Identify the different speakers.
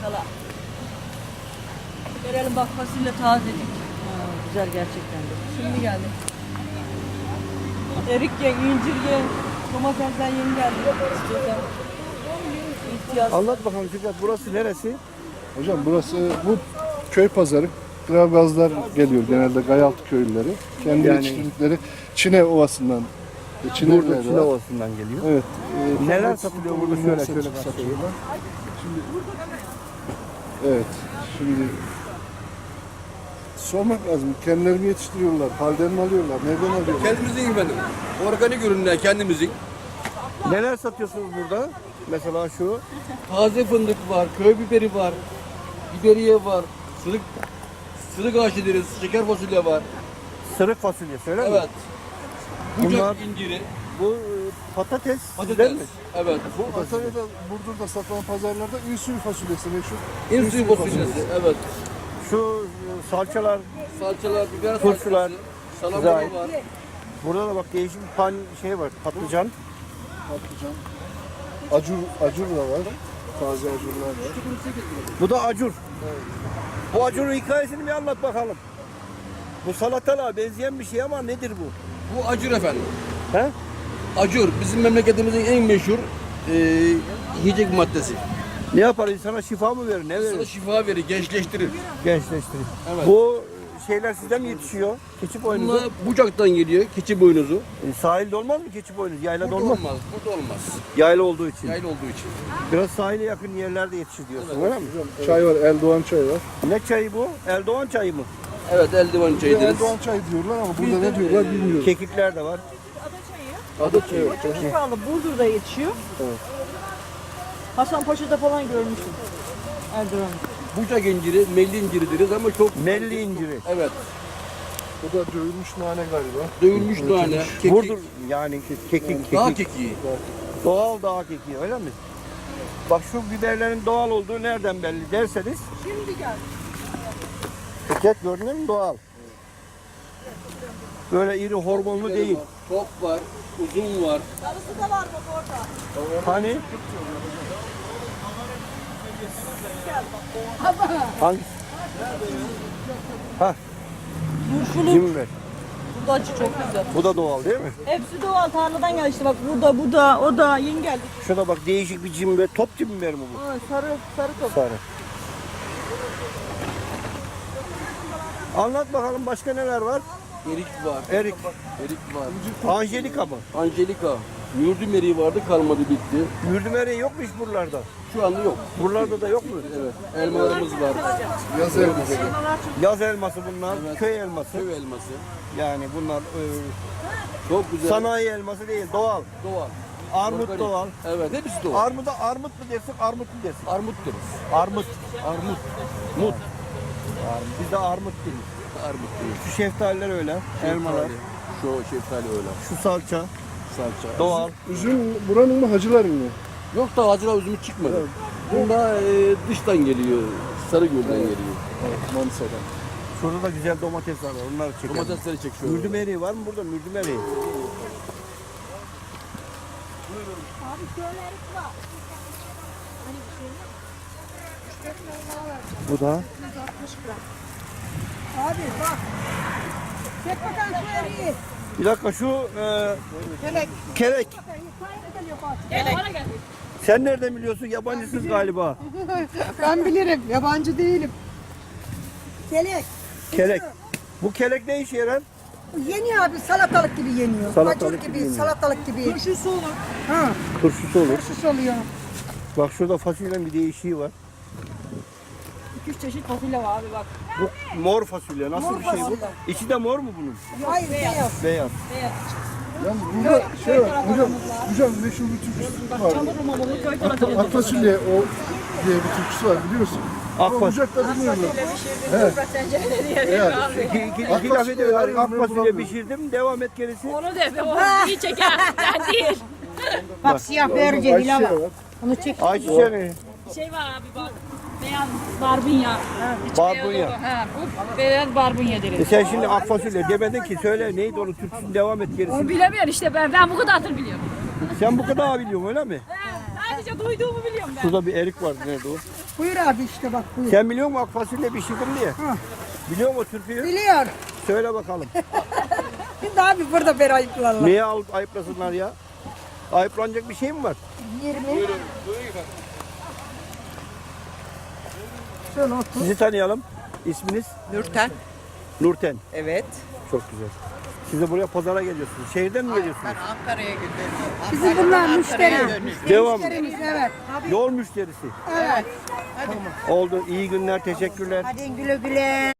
Speaker 1: Sala. Verelim bak fasulye tazecik. Güzel gerçekten de. Şimdi geldi. Erik ye, incir ye. Domatesden yeni geldi. İstiyorsan. İhtiyaç.
Speaker 2: Anlat bakalım Fikret, burası neresi?
Speaker 3: Hocam burası bu köy pazarı. Gravgazlar geliyor genelde Gayaltı köylüleri. Kendi
Speaker 2: Yani-
Speaker 3: yetiştirdikleri Çine Ovası'ndan. Çine
Speaker 2: Burada
Speaker 3: ürünleri
Speaker 2: Çile
Speaker 3: var.
Speaker 2: Ovası'ndan geliyor.
Speaker 3: Evet.
Speaker 2: Neler satılıyor burada? Şöyle
Speaker 3: satılıyor.
Speaker 2: başlayalım.
Speaker 3: Evet. Şimdi sormak lazım. Kendileri mi yetiştiriyorlar? Halden mi alıyorlar? Nereden alıyorlar?
Speaker 4: Kendimizin efendim. Organik ürünler kendimizin.
Speaker 2: Neler satıyorsunuz burada? Mesela şu.
Speaker 4: Taze fındık var, köy biberi var, biberiye var, sırık ağaçı deriz, şeker fasulye var.
Speaker 2: Sırık fasulye söyle mi?
Speaker 4: Evet. Bucak
Speaker 2: Bunlar-
Speaker 4: inciri,
Speaker 2: Bu patates,
Speaker 4: patates.
Speaker 2: değil mi?
Speaker 4: Evet.
Speaker 3: Bu Antalya'da, Burdur'da satılan pazarlarda ünsuy fasulyesi meşhur.
Speaker 4: İnsuyu fasulyesi. Evet.
Speaker 2: Şu salçalar,
Speaker 4: Salçalar, biber
Speaker 2: Turşular.
Speaker 4: salçası,
Speaker 2: Güzel.
Speaker 4: salamura var.
Speaker 2: burada da bak değişik bir şey var, patlıcan.
Speaker 3: Patlıcan. Acur da var. Taze acurlar var.
Speaker 2: Bu da acur. Bu acurun hikayesini bir anlat bakalım. Bu salatalığa benzeyen bir şey ama nedir bu?
Speaker 4: Bu acur efendim.
Speaker 2: He?
Speaker 4: Acur bizim memleketimizin en meşhur yiyecek maddesi.
Speaker 2: Ne yapar insana şifa mı verir, ne
Speaker 4: Sana
Speaker 2: verir?
Speaker 4: şifa verir, gençleştirir.
Speaker 2: Gençleştirir.
Speaker 4: Evet.
Speaker 2: Bu şeyler sizden mi yetişiyor? Keçi boynuzu.
Speaker 4: Bunlar bucaktan geliyor, keçi boynuzu.
Speaker 2: Sahilde olmaz mı keçi boynuzu? Yaylada
Speaker 4: Burada
Speaker 2: olmaz.
Speaker 4: olmaz, burada olmaz.
Speaker 2: Yayla olduğu için.
Speaker 4: Yaylı olduğu için.
Speaker 2: Biraz sahile yakın yerlerde yetişir diyorsun öyle mi?
Speaker 3: Çay var, Eldoğan çayı var.
Speaker 2: Ne çayı bu? Eldoğan çayı mı?
Speaker 4: Evet, eldiven çayı deriz.
Speaker 3: Eldoğan çayı diyorlar ama burada ne diyorlar bilmiyorum.
Speaker 2: Kekikler de var.
Speaker 3: Ada çayı var.
Speaker 1: Çok pahalı. Burdur'da yetişiyor.
Speaker 3: Evet.
Speaker 1: Hasanpaşa'da falan görmüştüm. Erdoğan.
Speaker 4: Bucak inciri, melli inciri deriz ama çok...
Speaker 2: Melli inciri.
Speaker 4: Evet,
Speaker 3: Bu da dövülmüş nane galiba.
Speaker 4: dövülmüş nane, kekik,
Speaker 2: Burdur yani kekik.
Speaker 4: dağ kekiği.
Speaker 2: Doğal dağ kekiği öyle mi? Bak şu biberlerin doğal olduğu nereden belli derseniz.
Speaker 1: Şimdi gel.
Speaker 2: Fikret gördün mü doğal. Böyle iri hormonlu değil.
Speaker 4: Top var, uzun var.
Speaker 1: Sarısı da var bak orada.
Speaker 2: Hani? Hangisi? Ha,
Speaker 1: Turşulu.
Speaker 2: cimber.
Speaker 1: Bu da acı çok güzel.
Speaker 2: Bu da doğal değil mi?
Speaker 1: Hepsi doğal tarladan geldi işte bak burada bu da o da yeni geldi.
Speaker 2: Şuna bak değişik bir cimber. Top cimber mi bu?
Speaker 1: Aa, sarı top.
Speaker 2: Sarı. Anlat bakalım başka neler var?
Speaker 4: Erik var,
Speaker 2: Erik,
Speaker 4: erik var.
Speaker 2: Angelika mı?
Speaker 4: Angelika, mürdüm eriği vardı, kalmadı bitti.
Speaker 2: Mürdüm eriği yok mu hiç buralarda?
Speaker 4: Şu anda yok.
Speaker 2: Buralarda da yok mu?
Speaker 4: Evet, elmalarımız var,
Speaker 3: Yaz elması.
Speaker 2: Yaz elması bunlar, köy elması.
Speaker 4: köy elması.
Speaker 2: Yani bunlar
Speaker 4: Çok güzel,
Speaker 2: sanayi elması değil, doğal.
Speaker 4: doğal.
Speaker 2: Armut
Speaker 4: Organik.
Speaker 2: doğal.
Speaker 4: Evet, hepsi doğal.
Speaker 2: Armuda armut mu dersin, armut mu dersin?
Speaker 4: Armut deriz.
Speaker 2: Armut.
Speaker 4: Armut.
Speaker 2: Mut. Biz de armut deriz.
Speaker 4: Armut deriz.
Speaker 2: Şu şeftaliler öyle, elmalar.
Speaker 4: Şu şeftali öyle.
Speaker 2: Şu salça,
Speaker 4: Salça.
Speaker 2: doğal.
Speaker 3: Üzüm buranın mı hacıların mı?
Speaker 4: Yok da acılar üzümü çıkmadı. Bunda dıştan geliyor. Sarıgöl'den geliyor.
Speaker 3: Manisa'dan.
Speaker 2: Şurada da güzel domatesler var, onları çekelim.
Speaker 4: Domatesleri çek şöyle.
Speaker 2: Mürdüm eriği var mı burada? Mürdüm eriği. Bu da
Speaker 5: Abi bak. Çek bakalım şu eriği.
Speaker 2: bir dakika şu kelek. Sen nereden biliyorsun? Yabancısınız galiba.
Speaker 5: Ben bilirim. Yabancı değilim. Kelek.
Speaker 2: Kelek. Bu kelek ne işe yarar?
Speaker 5: Yeniyor abi. Salatalık gibi yeniyor.
Speaker 2: Salatalık
Speaker 5: Acur
Speaker 2: gibi
Speaker 5: gibi,
Speaker 2: yeniyor.
Speaker 5: salatalık gibi. Turşusu olur. Ha,
Speaker 2: Turşusu olur.
Speaker 5: turşusu oluyor.
Speaker 2: Bak şurada fasulyenin bir değişiği var.
Speaker 1: 2-3 çeşit fasulye var abi bak.
Speaker 2: Bu mor fasulye. Nasıl
Speaker 5: Mor
Speaker 2: bir şey bu?
Speaker 5: fasulye.
Speaker 2: İçi de mor mu bunun?
Speaker 5: Hayır beyaz.
Speaker 2: Beyaz.
Speaker 3: Yani burada şey var, hocam meşhur bir türküsü var.
Speaker 1: Çamur rumalı köy tarafı.
Speaker 3: Ak fasulye o diye bir türküsü var biliyorsun. Ama
Speaker 2: Akfas.
Speaker 3: Bucak'ta bilmiyorum.
Speaker 1: Toprak tencereleri yeriyor abi.
Speaker 2: İki laf ediyorlar. Ak fasulye pişirdim. Devam et gerisi.
Speaker 1: Onu de o iyi çeker. Sen değil.
Speaker 5: Bak siyah börce bile var.
Speaker 3: Ayçiçeği var.
Speaker 5: Onu çek.
Speaker 2: Ayçiçeği mi?
Speaker 1: Şey var abi bak. Beyaz barbunya.
Speaker 2: Barbunya.
Speaker 1: Ha, bu beyaz barbunya deriz.
Speaker 2: Sen şimdi ak fasulye demedin ki söyle neydi onu türküsünü devam et gerisi.
Speaker 1: Onu bilemiyorum işte ben bu kadardır biliyorum.
Speaker 2: Sen bu kadar biliyorsun öyle mi?
Speaker 5: sadece duyduğumu biliyorum ben.
Speaker 2: Şurada bir erik var. Nerede o?
Speaker 5: Buyur abi işte bak buyur.
Speaker 2: Sen biliyor musun ak fasulye pişirdim diye?
Speaker 5: Ha.
Speaker 2: Biliyor musun o türküyü?
Speaker 5: Biliyor.
Speaker 2: Söyle bakalım.
Speaker 5: Şimdi abi burada beni ayıplarlar.
Speaker 2: Neye alıp ayıplasınlar ya? Ayıplanacak bir şey mi var?
Speaker 5: 20. Şöyle otur.
Speaker 2: Sizi tanıyalım. İsminiz?
Speaker 1: Nurten.
Speaker 2: Nurten.
Speaker 1: Evet.
Speaker 2: Çok güzel. Siz de buraya pazara geliyorsunuz. Şehirden mi geliyorsunuz?
Speaker 1: Ankara'ya gidiyorum.
Speaker 5: Bizim bunlar müşteri.
Speaker 2: Devam.
Speaker 5: Müşterimiz evet.
Speaker 2: Yol müşterisi.
Speaker 5: Evet.
Speaker 2: Oldu. İyi günler. Teşekkürler.
Speaker 5: Hadi güle güle.